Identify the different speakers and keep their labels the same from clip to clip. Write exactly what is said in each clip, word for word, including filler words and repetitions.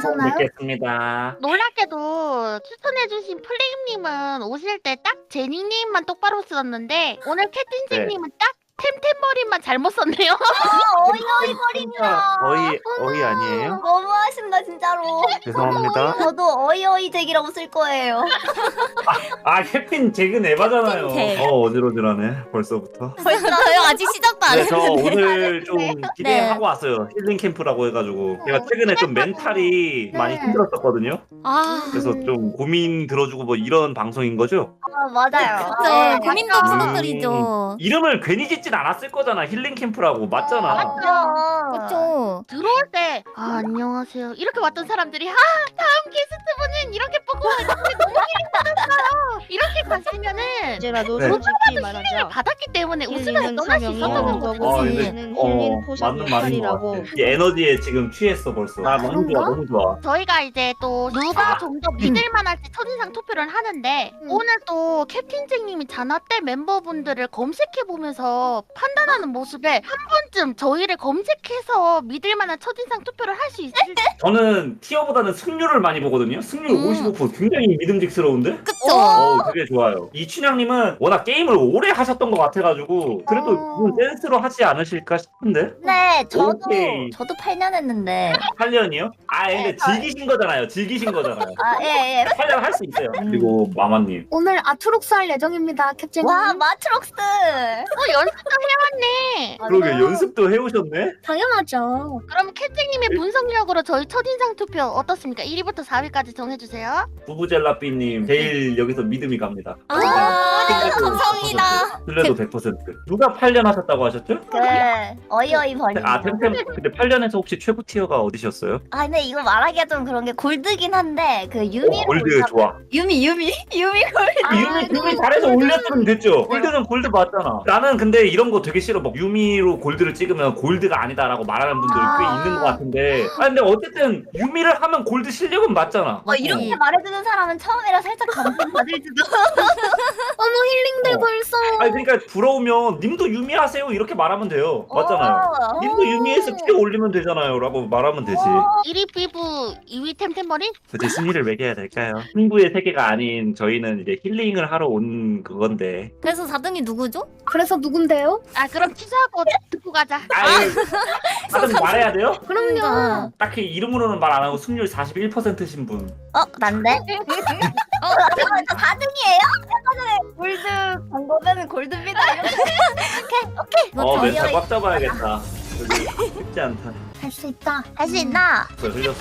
Speaker 1: 괜찮나요?
Speaker 2: 뵙겠습니다.
Speaker 3: 놀랍게도 추천해주신 플레임님은 오실 때 딱 제니님만 똑바로 썼는데 오늘 캡틴제님은 딱 템템머리만 잘못 썼네요.
Speaker 4: 아, 어이어이 버립니다.
Speaker 2: 어이 어이 아니에요?
Speaker 4: 너무하신다 진짜로.
Speaker 2: 죄송합니다.
Speaker 4: 저도 어이어이 잭이라고 쓸 거예요.
Speaker 2: 아 캡틴 잭은 에바잖아요.
Speaker 5: 캡틴 잭.
Speaker 2: 어 어지러지라네 벌써부터.
Speaker 5: 벌써요? 아직 시작도 안
Speaker 2: 그래서
Speaker 5: 했는데.
Speaker 2: 오늘 좀 기대하고
Speaker 5: 네.
Speaker 2: 왔어요. 힐링 캠프라고 해가지고 제가 최근에 좀 멘탈이
Speaker 3: 네.
Speaker 2: 많이 힘들었었거든요.
Speaker 5: 아,
Speaker 2: 그래서 좀 고민 들어주고 뭐 이런 방송인 거죠?
Speaker 4: 아 맞아요.
Speaker 5: 그쵸. 고민도
Speaker 2: 음.
Speaker 5: 풀어드리죠.
Speaker 2: 이름을 괜히 짓진 않았을 거잖아. 힐링 캠프라고 맞잖아.
Speaker 4: 맞죠.
Speaker 5: 그쵸.
Speaker 3: 들어올 때 아, 안녕하세요 이렇게 왔던 사람들이 아 다음 게스트분은 이렇게 보고 왔는데 너무 힐링 받았어요 이렇게 갔으면은
Speaker 6: 이제라도
Speaker 2: 네.
Speaker 6: 솔직히
Speaker 3: 힐링을
Speaker 6: 말하자.
Speaker 3: 받았기 때문에 웃으면서
Speaker 6: 힐링은
Speaker 3: 떠날 수
Speaker 6: 사명이
Speaker 3: 있었던
Speaker 6: 없는
Speaker 3: 거거든요.
Speaker 2: 아,
Speaker 6: 거고
Speaker 2: 근데-
Speaker 6: 얘는
Speaker 2: 어,
Speaker 6: 힐링 포션
Speaker 2: 맞는 말인 것
Speaker 6: 역할이라고.
Speaker 2: 같아. 이 에너지에 지금 취했어 벌써. 아 너무 좋아,
Speaker 3: 그런가?
Speaker 2: 너무 좋아.
Speaker 3: 저희가 이제 또 누가
Speaker 2: 아.
Speaker 3: 좀 더 믿을만 할지 첫인상 투표를 하는데
Speaker 4: 음.
Speaker 3: 오늘 또 캡틴잭님이 자나떼 멤버분들을 검색해보면서 판단하는 모습에 한 번쯤 저희를 검색해서 믿을만한 첫인상 투표를 할 수 있을지
Speaker 2: 저는 티어보다는 승률을 많이 보거든요. 승률
Speaker 5: 음.
Speaker 2: 오십오 퍼센트 굉장히 믿음직스러운데?
Speaker 5: 그쵸.
Speaker 2: 어 되게 좋아요. 이춘향님은 워낙 게임을 오래 하셨던 것 같아가지고 그래도
Speaker 4: 어.
Speaker 2: 그건 센스로 하지 않으실까 싶은데?
Speaker 4: 네, 저도
Speaker 2: 오케이.
Speaker 4: 저도 팔 년 했는데.
Speaker 2: 팔 년이요? 아 근데
Speaker 4: 네, 저-
Speaker 2: 즐기신 거잖아요. 즐기신 거잖아요.
Speaker 4: 아, 예, 예.
Speaker 2: 팔 년 할 수 있어요. 그리고 마마님.
Speaker 1: 오늘 아트록스 할 예정입니다, 캡틴님.
Speaker 4: 와, 마트록스.
Speaker 3: 어 연습도 해왔네.
Speaker 2: 그러게 연습도 해오셨네?
Speaker 1: 당연하죠.
Speaker 3: 그럼 캡틴님의 분석력으로 저희 첫인상 투표 어떻습니까? 일 위부터 사 위까지 정해주세요.
Speaker 2: 부부젤라삐님 제일 여기서 믿음이 갑니다.
Speaker 5: 아, 감사합니다.
Speaker 2: 틀려도 백 퍼센트. 누가 팔 년 하셨다고 하셨죠?
Speaker 4: 그 어이어이 버림.
Speaker 2: 아 템템 근데 팔 년에서 혹시 최고 티어가 어디셨어요?
Speaker 4: 아, 근데 이거 말하기가 좀 그런 게 골드긴 한데 그
Speaker 2: 오,
Speaker 4: 유미.
Speaker 2: 골드 좋아.
Speaker 4: 유미 유미 유미 골드.
Speaker 2: 유미 유미 잘해서 올렸으면 됐죠. 골드는 골드 맞잖아. 나는 근데 이런 거 되게 싫어. 막 유미로 골드를 찍으면 골드가 아니다라고 말하는 분들이 꽤
Speaker 4: 아.
Speaker 2: 있는 것 같은데. 아 근데 어쨌든 유미를 하면 골드 실력은 맞잖아.
Speaker 4: 어, 이렇게 말해주는 사람은 처음이라 살짝 감동 받을지도.
Speaker 1: 어머, 힐링돼
Speaker 2: 어.
Speaker 1: 벌써.
Speaker 2: 아니 그러니까 부러우면 님도 유미 하세요 이렇게 말하면 돼요. 맞잖아요.
Speaker 4: 어.
Speaker 2: 님도 유미해서 티어 올리면 되잖아요라고 말하면 되지.
Speaker 3: 일 위 피부, 이 위 템템머리?
Speaker 2: 도대체 승리를 매겨야 될까요? 승부의 세계가 아닌 저희는 이제 힐링을 하러 온 그건데.
Speaker 5: 그래서 사 등이 누구죠?
Speaker 1: 그래서 누군데요?
Speaker 3: 아 그럼 취소하고 듣고 가자.
Speaker 2: 아유, 다들 말해야 돼요?
Speaker 1: 그럼요.
Speaker 2: 딱히 이름으로는 말 안 하고 승률 사십일 퍼센트신 분.
Speaker 4: 어, 난데? 어, 잠깐만, 저 사 등이에요? 아까 전에 골드 간 거면 골드입니다. 이렇게.
Speaker 2: 어,
Speaker 4: 저희
Speaker 2: 멘탈
Speaker 4: 어이-
Speaker 2: 꽉 잡아야겠다. 여기 쉽지 않다.
Speaker 1: 할 수 있다.
Speaker 4: 할 수 있나?
Speaker 2: 저 흘렸어.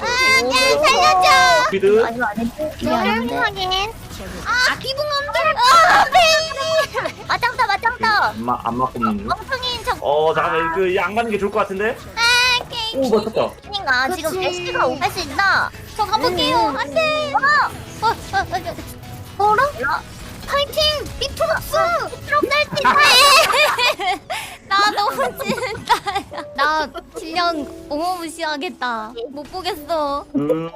Speaker 4: 살려줘!
Speaker 2: 스피드.
Speaker 4: 아, 이거 아닌데? 이게 아닌데?
Speaker 3: 확인.
Speaker 4: 아, 기붕엄들! 아, 베이비! 맞짱떠, 맞짱떠!
Speaker 2: 안마 안마 꼽는 중.
Speaker 4: 멍청인 저
Speaker 2: 어 잠깐만 그안 가는 게 좋을 것 같은데. 오 맞췄다.
Speaker 4: 킹아 지금
Speaker 1: 그치.
Speaker 4: 애쉬가 오갈 수 있나?
Speaker 5: 저 가볼게요.
Speaker 4: 음.
Speaker 5: 안 돼. 어, 어, 어, 어.
Speaker 4: 어라? 파이팅! 비트록스! 비트록 날수 있다!
Speaker 5: 나 너무 찐다. 나 질량 어마무시하겠다. 못 보겠어.
Speaker 2: 음.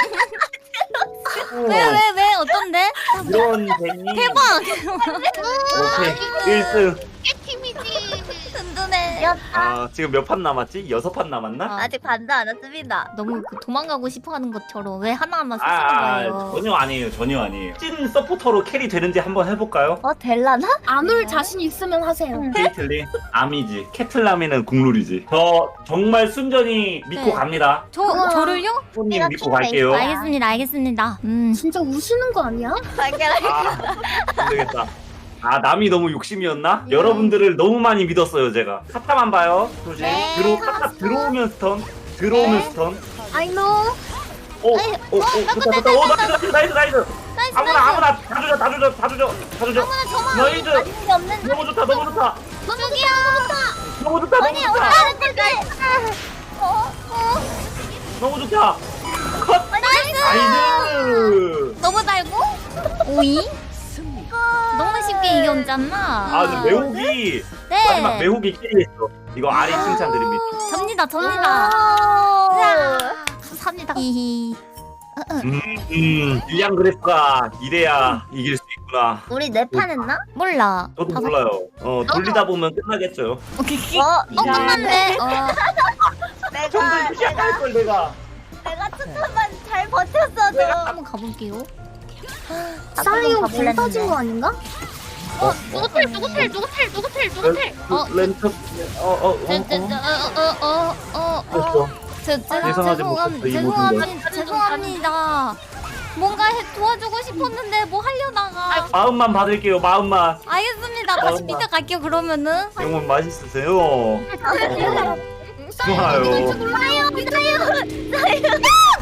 Speaker 5: 왜, 왜, 왜? 어떤데?
Speaker 2: 이런 재미.
Speaker 5: 대박!
Speaker 2: 오케이 일 등.
Speaker 3: 팀이지.
Speaker 5: 든든해.
Speaker 4: 야,
Speaker 2: 아 지금 몇 판 남았지? 여섯 판 남았나?
Speaker 5: 아,
Speaker 4: 아직 반도 안 왔습니다.
Speaker 5: 너무 그 도망가고 싶어 하는 것처럼 왜 하나하나
Speaker 2: 아,
Speaker 5: 쓰시는
Speaker 2: 아,
Speaker 5: 거예요?
Speaker 2: 전혀 아니에요 전혀 아니에요. 찐 서포터로 캐리 되는지 한번 해볼까요?
Speaker 4: 어, 될라나?
Speaker 1: 안 올 자신 있으면 하세요.
Speaker 2: 케이틀린 아미지 캐틀라미는 국룰이지. 저 정말 순전히 믿고
Speaker 5: 네.
Speaker 2: 갑니다.
Speaker 5: 저,
Speaker 1: 우와.
Speaker 5: 저를요?
Speaker 2: 손님
Speaker 4: 내가
Speaker 2: 믿고
Speaker 4: 킹
Speaker 2: 갈게요.
Speaker 4: 메이커야.
Speaker 5: 알겠습니다, 알겠습니다. 음.
Speaker 1: 진짜 우시는 거 아니야?
Speaker 4: 발견할
Speaker 2: 아, 안 되겠다. 아, 남이 너무 욕심이었나? 여러분들을 너무 많이 믿었어요, 제가. 카타만 봐요. 조심.
Speaker 4: 네,
Speaker 2: 들어, 카타 들어오면 스턴. 들어오면 스턴.
Speaker 1: I know.
Speaker 2: 오, 오, 오, 좋다, 좋다. 오, 나이스, 나이스, 나이스. 아무나, 아무나, 다 주죠, 다 주죠, 다 주죠, 다 주죠. 나이스.
Speaker 4: 게 없는
Speaker 2: 너무 좋다, 너무 좋다.
Speaker 4: 저기요!
Speaker 2: 너무 좋다, 너무
Speaker 4: 아니,
Speaker 2: 좋다.
Speaker 4: 올라가는 걸까? 어, 어.
Speaker 2: 너무 좋다. 컷.
Speaker 4: 나이스!
Speaker 2: 나이스.
Speaker 5: 너무 달고? 오이? 너무 쉽게 이겼잖아.
Speaker 2: 아, 근데 매혹이, 마지막
Speaker 5: 네.
Speaker 2: 매혹이 끼리했어. 이거 아리 칭찬드립니다.
Speaker 5: 접니다, 접니다.
Speaker 4: 아.
Speaker 5: 감사합니다. 히히.
Speaker 2: 음, 음, 일량 그래프가 이래야 이길 수 있구나.
Speaker 4: 우리 네 판 했나?
Speaker 5: 몰라.
Speaker 2: 저도
Speaker 5: 다섯-
Speaker 2: 몰라요. 어, 돌리다 보면 끝나겠죠.
Speaker 5: 오케이.
Speaker 4: 어,
Speaker 5: 어, 끝났네. 어.
Speaker 4: 내가,
Speaker 2: 처음부터
Speaker 4: 내가,
Speaker 2: 시작할 걸 내가.
Speaker 4: 내가 초점만 잘 잘 버텼어 저.
Speaker 5: 한번 가볼게요.
Speaker 1: 사이온
Speaker 4: 가볼랬는데.
Speaker 1: 불 터진 거 아닌가?
Speaker 3: 어 누구 텔 누구 텔 누구 텔 누구 텔 누구 텔?
Speaker 5: 어.
Speaker 2: 렌터 어어어
Speaker 5: 어어어어어
Speaker 2: 됐어.
Speaker 5: 제, 제,
Speaker 2: 죄송하지
Speaker 5: 죄송함,
Speaker 2: 못했어, 이
Speaker 5: 죄송합니다. 죄송합니다. 뭔가 해, 도와주고 싶었는데 뭐 하려다가.
Speaker 2: 마음만 받을게요. 마음만.
Speaker 5: 알겠습니다. 다시
Speaker 2: 엄마.
Speaker 5: 밑에 갈게요. 그러면은.
Speaker 2: 영문 맛있으세요. 어, 좋아요.
Speaker 4: 사요 사요.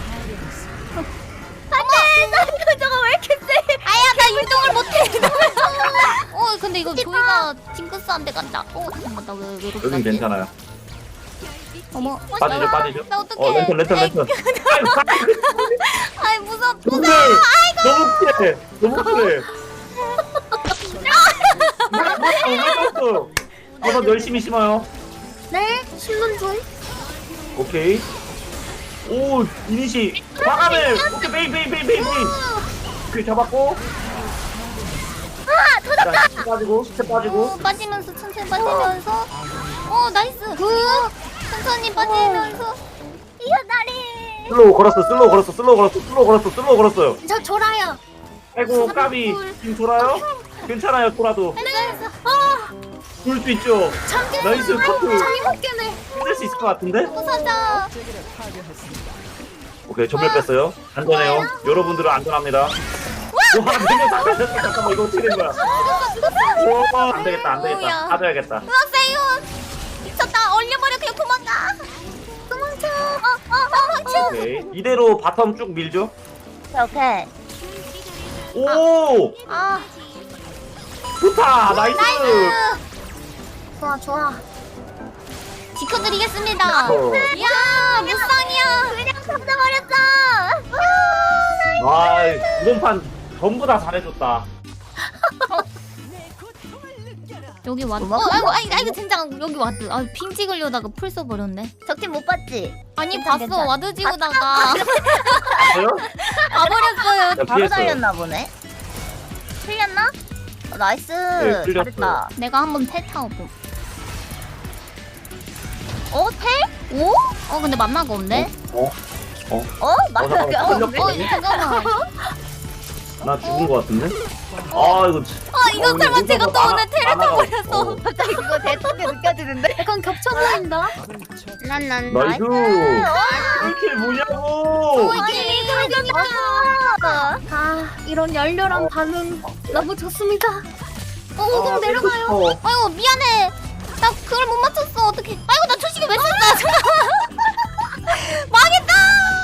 Speaker 4: 안돼 나 저거 왜 이렇게 세?
Speaker 5: 아야 나 이동을 못해. 이동을. 어 근데 이거 조이가 징크스한테 간다. 어 잠깐만 나왜 왜 이렇게
Speaker 2: 여긴
Speaker 5: 하지?
Speaker 2: 괜찮아요.
Speaker 5: 어머.
Speaker 2: 빠지죠,
Speaker 5: 나-
Speaker 2: 빠지죠.
Speaker 5: 나 어떡해.
Speaker 2: 어, 렌터, 렌터, 렌터.
Speaker 5: 아이 무섭.
Speaker 2: 근데 너무 그래. 너무 그래. 어 버섯 열심히 심어요.
Speaker 1: 네, 심는 중.
Speaker 2: 오케이. 오, 이니시. 과감해. 오케이, 베이, 베이, 베이, 베이, 베이. 오케이, 잡았고. 아, 터졌다. 스텝 빠지고, 스텝 빠지고.
Speaker 5: 어 빠지면서 천천히 빠지면서. 어 나이스. 굿. 천천히 빠지면서.
Speaker 4: 이거 다리.
Speaker 2: 슬로우 걸었어, 슬로우 걸었어, 슬로우 걸었어, 슬로우 걸었어, 슬로우 걸었어요.
Speaker 1: 저 졸아요.
Speaker 2: 아이고, 까비. 지금 돌아요? 괜찮아요, 돌아도. 돌 수 있죠. 나이스, 커플.
Speaker 1: 잘못 깨네.
Speaker 2: 힘들 수 있을 것 같은데?
Speaker 5: 부서져.
Speaker 2: 오케이, 전멸 뺐어요. 안전해요. 여러분들은 안전합니다. 와, 너무 잘했어. 잠깐만, 이거 어떻게 된 거야? 와, 안 되겠다, 안 되겠다.
Speaker 5: 오야.
Speaker 2: 가져야겠다.
Speaker 5: 으악세요. 미쳤다. 얼려버려 그냥 도망가. 도망쳐. 어어 도망쳐.
Speaker 2: 오케이. 이대로 바텀 쭉 밀죠.
Speaker 4: 오케이.
Speaker 2: 오!
Speaker 5: 아
Speaker 2: 좋다! 나이스!
Speaker 1: 좋아, 좋아.
Speaker 5: 지켜드리겠습니다.
Speaker 2: 어.
Speaker 5: 이야 무쌍이야.
Speaker 4: 그냥 터져버렸어.
Speaker 2: 아, 이번 판 전부 다 잘해줬다.
Speaker 5: 여기 왔. 어
Speaker 4: 고마워.
Speaker 5: 아이고 아이고 아이고 젠장 여기 와드. 아 핑 찍으려다가 풀 써버렸네.
Speaker 4: 적팀 못 봤지?
Speaker 5: 아니
Speaker 4: 괜찮,
Speaker 5: 봤어
Speaker 4: 괜찮.
Speaker 5: 와드 지우다가
Speaker 2: 저요?
Speaker 5: 가버렸어요.
Speaker 2: 나
Speaker 4: 바로
Speaker 2: 피했어요.
Speaker 4: 달렸나 보네. 틀렸나? 어, 나이스.
Speaker 2: 네, 틀렸어요.
Speaker 4: 잘했다.
Speaker 5: 내가 한번 텔 타고.
Speaker 4: 어 텔?
Speaker 5: 오? 어 근데 만나가 없네.
Speaker 2: 어? 어?
Speaker 4: 어 맞아.
Speaker 2: 잠깐만,
Speaker 4: 어,
Speaker 2: 틀렸거든요?
Speaker 5: 어 잠깐만.
Speaker 2: 나 죽은 거 같은데? 아, 이거. 진-
Speaker 5: 아 이거
Speaker 2: 어,
Speaker 5: 설마
Speaker 2: 이거
Speaker 5: 제가 또
Speaker 2: 만화-
Speaker 5: 오늘 텔을
Speaker 2: 만화가
Speaker 5: 타버려서.
Speaker 2: 없어.
Speaker 4: 갑자기 그거 대통령 느껴지는데?
Speaker 1: 약간 겹쳐 보인다.
Speaker 4: 난난
Speaker 2: 나이스! 이렇게 뭐냐고!
Speaker 5: 이게
Speaker 1: 아, 이런 열렬한 반응 너무 좋습니다. 어,
Speaker 2: 아,
Speaker 1: 오공 내려가요.
Speaker 2: 뺏고 싶어.
Speaker 5: 아이고 미안해. 나 그걸 못 맞췄어. 어떡해. 아이고 나 초식이 왜 썼어. 망했다.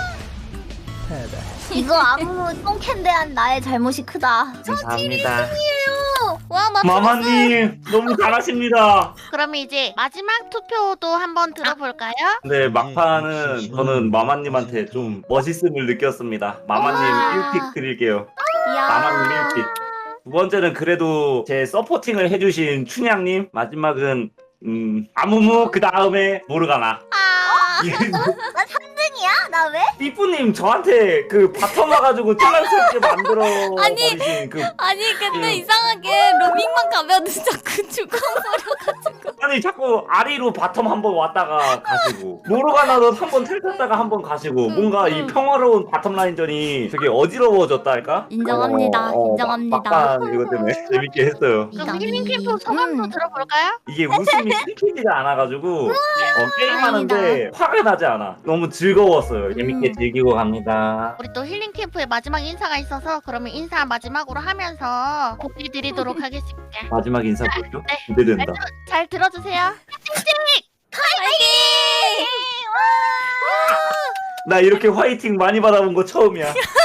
Speaker 4: 이거 아무 똥캔대한 나의 잘못이 크다.
Speaker 2: 감사합니다.
Speaker 5: 와 맞췄어.
Speaker 2: 마마님, 너무 잘하십니다.
Speaker 3: 그럼 이제 마지막 투표도 한번 들어볼까요?
Speaker 2: 근데 막판은 저는 마마님한테 좀 멋있음을 느꼈습니다. 마마님
Speaker 5: 우와.
Speaker 2: 일 픽 드릴게요.
Speaker 5: 이야.
Speaker 2: 마마님 일 픽. 두 번째는 그래도 제 서포팅을 해주신 춘향님. 마지막은 음 아무무 그 다음에 모르가나.
Speaker 5: 아.
Speaker 4: 나 삼 등이야? 나 왜?
Speaker 2: 삐뿌님 저한테 그 바텀 와가지고 찔랑스럽게 만들어
Speaker 5: 아니.
Speaker 2: 버리신 그
Speaker 5: 아니 근데
Speaker 2: 음.
Speaker 5: 이상하게 로밍만 가면 자꾸 죽어버려가지고.
Speaker 2: 아니 자꾸 아리로 바텀 한 번 왔다가 가시고 모르가나도 한 번 텔탔다가 한 번 가시고
Speaker 5: 음,
Speaker 2: 뭔가
Speaker 5: 음.
Speaker 2: 이 평화로운 바텀 라인전이 되게 어지러워졌다 할까?
Speaker 5: 인정합니다.
Speaker 2: 어, 어,
Speaker 5: 인정합니다.
Speaker 2: 막- 막판 이것 때문에 재밌게 했어요.
Speaker 3: 그럼 힐링 캠프 소감도
Speaker 5: 음.
Speaker 3: 들어볼까요?
Speaker 2: 이게 웃음이 끊기지가 않아가지고 어, 게임하는데 화가 나지 않아. 너무 즐거웠어요. 재밌게
Speaker 5: 음.
Speaker 2: 즐기고 갑니다.
Speaker 3: 우리 또 힐링 캠프의 마지막 인사가 있어서 그러면 인사 마지막으로 하면서 고기 드리도록 하겠습니다.
Speaker 2: 마지막 인사 뭐죠?
Speaker 3: 네.
Speaker 2: 기대된다.
Speaker 3: 잘 들어주세요.
Speaker 5: 파이팅!
Speaker 2: 나 이렇게 화이팅 많이 받아본 거 처음이야.